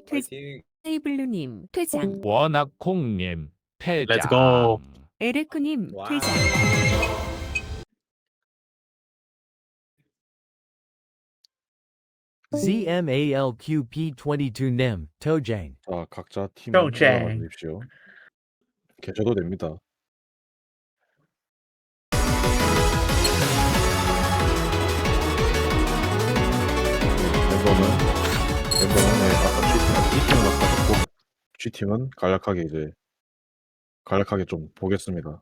파이팅. 테이블루님 퇴장. 워낙콩님 퇴장. 렛츠고. 에레크님 와우. 퇴장. ZMALQP22님 토쟁. 자, 각자 팀 도쟁. 올라가 주십시오. 계셔도 됩니다. 멤버는 네, 아까 G팀은 아까 고 G팀은 간략하게 좀 보겠습니다.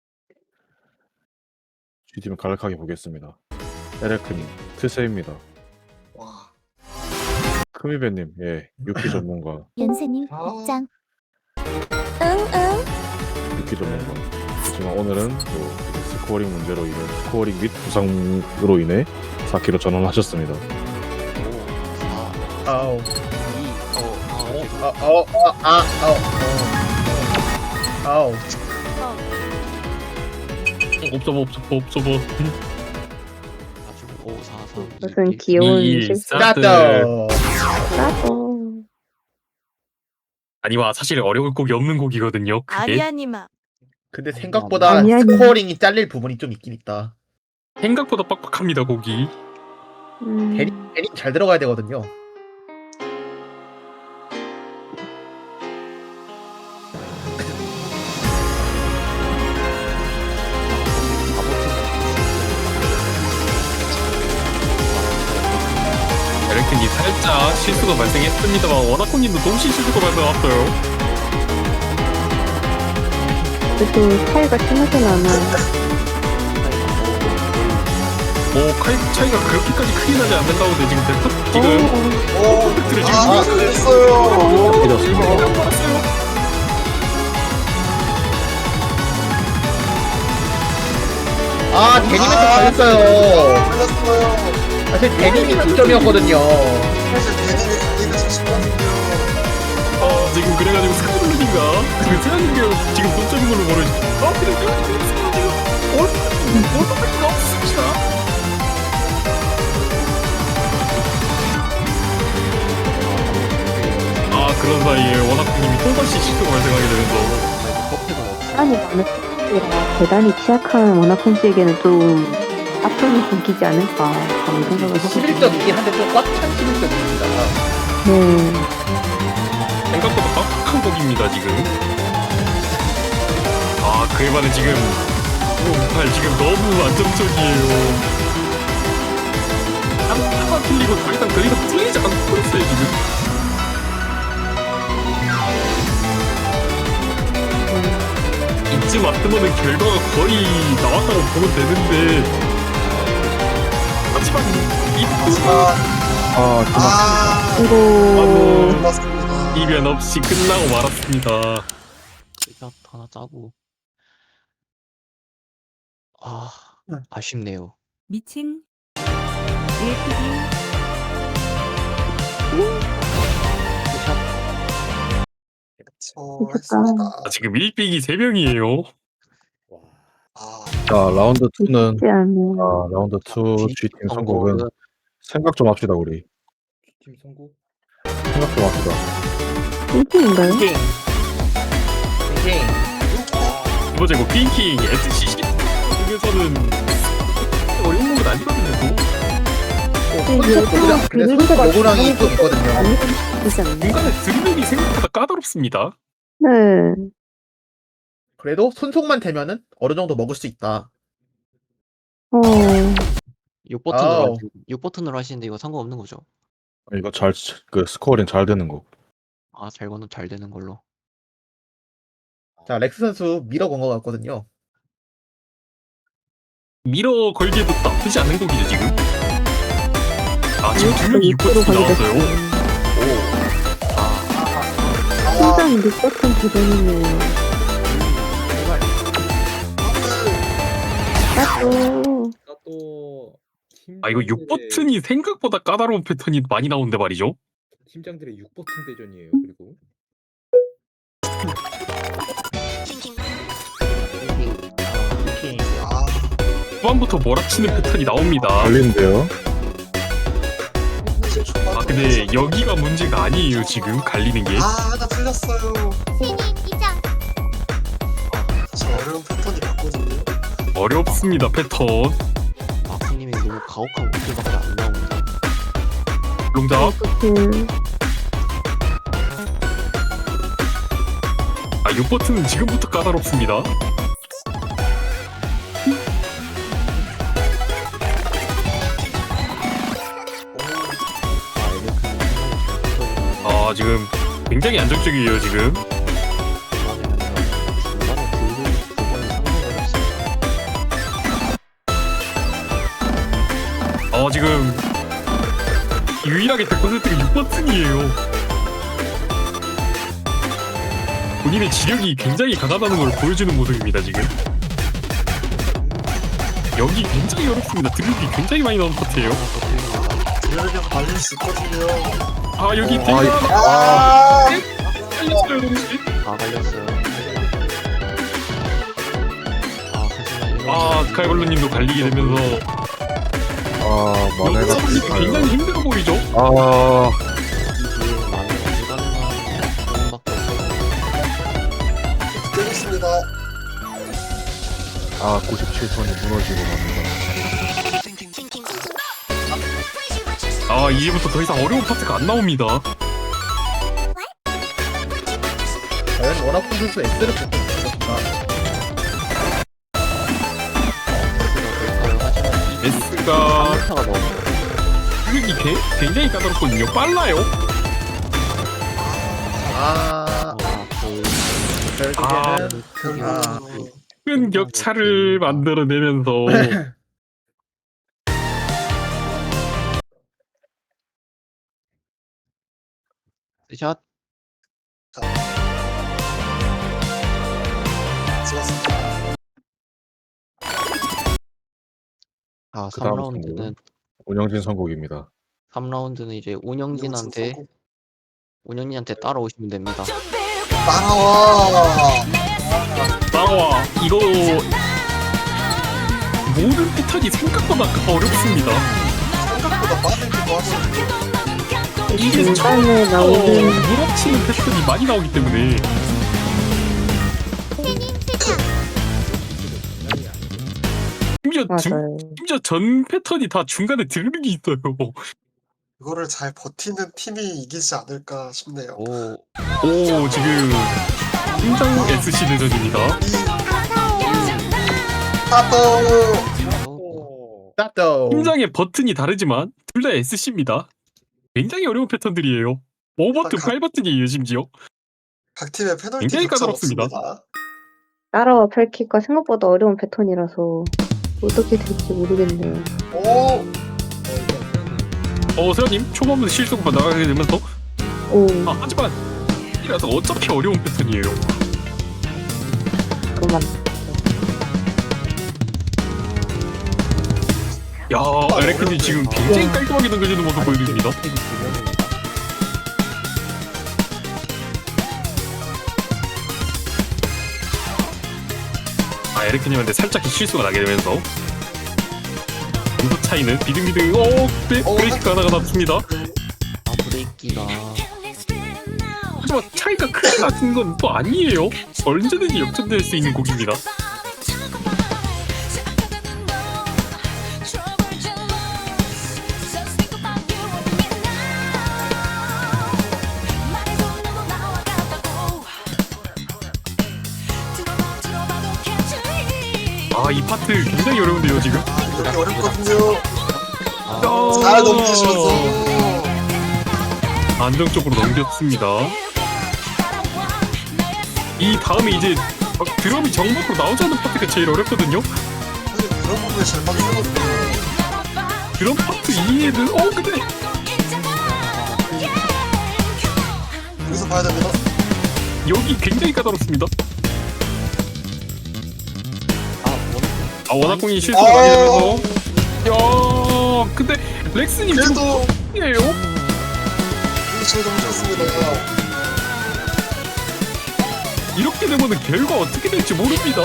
G팀은 간략하게 보겠습니다. 에레크님 트세입니다. 와. 크미베님 예 유키 전문가. 연세님 아. 입장. 유키 전문가. 하지만 오늘은 또 스코어링 문제로 인해 스코어링 및 부상으로 인해 4kg 전환하셨습니다. 아우. 아우. 옵저버. 무슨 귀여운 실수. 스타트. 나도. 아니와 사실 어려울 곡이 없는 곡이거든요. 그게. 아리아님아. 근데 생각보다 아니. 스코어링이 잘릴 부분이 좀 있긴 있다. 생각보다 빡빡합니다 곡이. 음, 괜히 잘 들어가야 되거든요. 에렉트님 살짝 실수가 발생했습니다만 워낙콩님도 동시 실수가 발생했어요. 그래도 차이가 심하진 않아. 뭐 차이가 그렇게까지 크게 나지 않는다고 지금 퍼펙트를 지금 해줬습니다. 아 데님한테 걸렸어요. 사실 데님이 득점이었거든요. 지금 그래가지고 스카블루인가 그 세안님이 지금 동점인 걸로 모르지. 근데 지금 올퍼가 없습니다. 그런 사이에 워낙님이 또다시 실수가 발생하게 되면서 아니 나는 라 대단히 취약한 워낙콩 씨에게는 좀 앞으로 끊기지 않을까 그런 생각을 하고 11점이긴 한데 좀 꽉 찬 11점입니다. 네. 생각보다 빡빡한 곡입니다 지금. 그에 반해 지금 팔 지금 너무 안정적이에요. 하나 틀리고 더 이상 틀리지 않고 있어요 지금. 이쯤 왔으면 결과가 거의 나왔다고 보면 되는데 하지만 그리고 이변 없이 끝나고 말았습니다. 이거 하나 짜고 아쉽네요. 미친. APD. 지금 1픽이 3명이에요. 자 라운드 2는 쉽지 않네. 라운드 2 G팀 선곡은 생각 좀 합시다 우리. 팀 선곡. 생각 좀 합시다. 핑핑인가요? 두 번째 곡 핑킹 SCC 중에서는 어려운 곡은 아니거든요. 요구랑이 좀 있거든요. 되지 않나요? 중간에 드리블이 생각보다 까다롭습니다. 네. 그래도 손속만 되면은 어느 정도 먹을 수 있다. 6버튼으로 하시는데 이거 상관없는 거죠? 이거 그 스코어링 잘 되는 거. 잘 거는 잘 되는 걸로. 자, 렉스 선수 밀어 건 것 같거든요. 밀어 걸기에도 나쁘지 않은 곡이죠 지금. 지금 2명이 6버튼 나왔어요. 심장 6버튼 기본이네요. 또 이거 6버튼이 생각보다 까다로운 패턴이 많이 나오는데 말이죠. 팀장들의 6버튼 대전이에요. 그리고 후반부터 몰아치는 패턴이 나옵니다. 걸린대요. 근데 여기가 문제가 아니에요 지금 갈리는 게. 하나 틀렸어요. 사실 어려운 패턴이 맞거든요. 어렵습니다 패턴. 마쿠님이 너무 가혹한 것들밖에 안 나옵니다. 롱잡. 아 6버튼은 지금부터 까다롭습니다. 아 지금 굉장히 안정적이에요 지금. 지금 유일하게 100%가 6버튼이에요. 본인의 지력이 굉장히 강하다는 걸 보여주는 모습입니다 지금. 여기 굉장히 어렵습니다. 드립이 굉장히 많이 나오는 파트예요. 드래곤 발릴 수 있거든요. 아 여기 아, 대가 아, 살렸어요 동시. 다 갈렸어요. 하지만 아 스카이블루님도 갈리게 되면서 만회가 여기서 굉장히 힘들어 보이죠? 아, 이게 만화가 불가능한 밖에 없어요. 깨겠습니다. 97턴이 무너지고 맙니다. 아 이제부터 더 이상 어려운 파트가 안 나옵니다. 과연 원아콘 선수 S를 뽑고 있습니다. S가 3m가 넘어요. 이게 굉장히 까다롭거든요. 빨라요. 결국에는 큰 격차를 만들어내면서 샷. 좋았습니다. 그 다음 3라운드는 운영진 선곡입니다. 3라운드는 이제 운영진한테 따라오시면 됩니다. 따라와. 나와 이거 모든 패턴이 생각보다 어렵습니다. 생각보다 빠르기도 하고. 이게 중간에 나오는 물어치는 패턴이 많이 나오기 때문에 맞아요. 심지어 전 패턴이 다 중간에 드르륵이 있어요. 이거를 잘 버티는 팀이 이기지 않을까 싶네요. 오, 지금 심장 SC 대전입니다. 따또 심장의 버튼이 다르지만 둘 다 SC입니다. 굉장히 어려운 패턴들이에요. 5버튼, 8버튼이에요 심지어. 각 팀의 페널티 굉장히 격차가 까다롭습니다. 없습니다. 따라와 펠키가 생각보다 어려운 패턴이라서 어떻게 될지 모르겠네요. 오, 세연님 초반부터 실수가 나가게 되면서 오, 하지만 이라서 어차피 어려운 패턴이에요. 그만. 야, 에레크님 지금 굉장히 깔끔하게 넘겨주는 모습 보여줍니다. 에레크님한테 살짝 실수가 나게 되면서 점수 차이는 비등비등. 네, 브레이크가 하나가 났습니다. 브레이키가 하지만 차이가 크게 나는 건 또 아니에요. 언제든지 역전될 수 있는 곡입니다. 이 파트 굉장히 어려운데요 지금. 이렇게 어렵거든요. 아, 잘 넘기셔서. 안정적으로 넘겼습니다. 이 다음에 이제 드럼이 정박으로 나오지 않는 파트가 제일 어렵거든요. 사실 그런 부분에 잘 맞추거든요. 드럼 파트 2에는 근데 여기서 봐야 됩니다. 여기 굉장히 까다롭습니다. 원학공이 실수가 나게 되면서 근데 렉스님 지금 그래도 이에요? 잘 넘겼습니다. 이렇게 되면은 결과 어떻게 될지 모릅니다.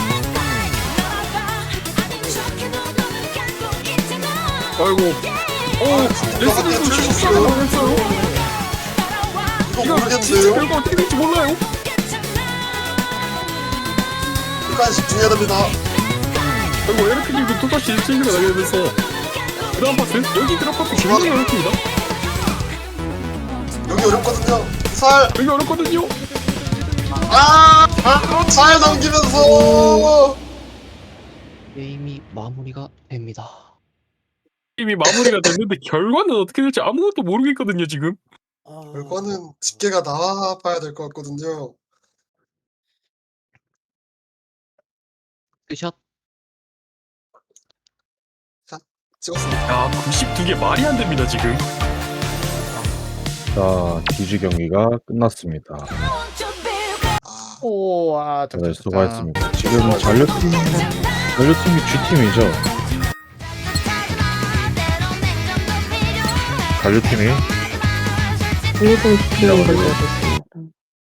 아이고 레슨도 실수를 당했어요. 이거 진짜 모르겠는데요? 결과 어떻게 될지 몰라요. 끝까지 집중해야 됩니다. 그리고 에르크님도 또다시 1승을 나게 되면서 그 다음 파트 여기 드랍 파트 굉장히 어렵습니다. 여기 어렵거든요. 살! 여기 어렵거든요. 잘 넘기면서! 게임이 마무리가 됩니다. 이미 마무리가 됐는데 결과는 어떻게 될지 아무것도 모르겠거든요 지금. 결과는 집계가 나와봐야 될 것 같거든요. 끝샷. 찍었습니다. 야 92개 말이 안 됩니다 지금. 자, 디지 경기가 끝났습니다. 아, 오, 다들 수고하셨습니다. 지금 잔류팀이 G팀이죠. 잔류팀이 일본 시키는 걸로 알고 있습니다.